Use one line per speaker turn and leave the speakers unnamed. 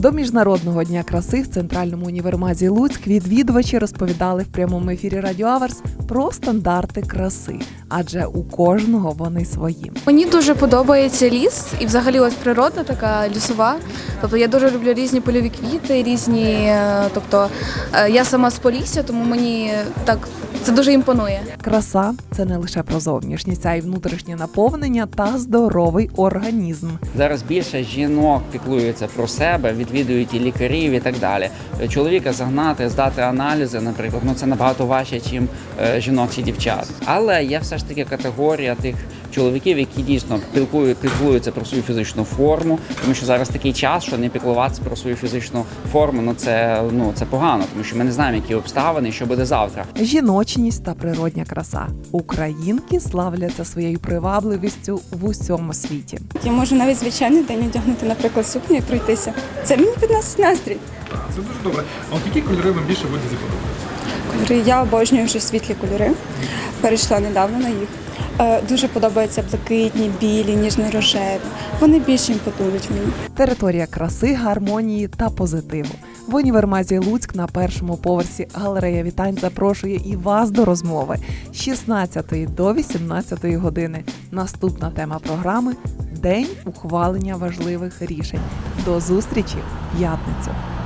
До Міжнародного дня краси в Центральному універмазі Луцьк відвідувачі розповідали в прямому ефірі Радіо Аверс про стандарти краси, адже у кожного вони свої.
Мені дуже подобається ліс і взагалі ось природа така лісова. Тобто я дуже люблю різні польові квіти, я сама з Полісся, тому мені так це дуже імпонує.
Краса – це не лише про зовнішність, а й внутрішнє наповнення та здоровий організм.
Зараз більше жінок піклуються про себе, відвідують і лікарів і так далі. Чоловіка загнати, здати аналізи, наприклад, це набагато важче, ніж жінок чи дівчат. Але є все ж таки категорія тих чоловіків, які дійсно піклуються про свою фізичну форму, тому що зараз такий час, що не піклуватися про свою фізичну форму, це погано, тому що ми не знаємо, які обставини і що буде завтра.
Жіночність та природня краса. Українки славляться своєю привабливістю в усьому світі.
Я можу навіть звичайний день одягнути, наприклад, сукню і пройтися. Це мені підносить настрій.
Це дуже добре. А от які кольори вам більше в одязі подобаються?
Кольори, я обожнюю вже світлі кольори. Перейшла недавно на їх. Дуже подобаються блакитні, білі, ніжно-рожеві. Вони більше імпонують мені.
Територія краси, гармонії та позитиву. В універмазі Луцьк на першому поверсі галерея вітань запрошує і вас до розмови з 16 до 18 години. Наступна тема програми – День ухвалення важливих рішень. До зустрічі в п'ятницю.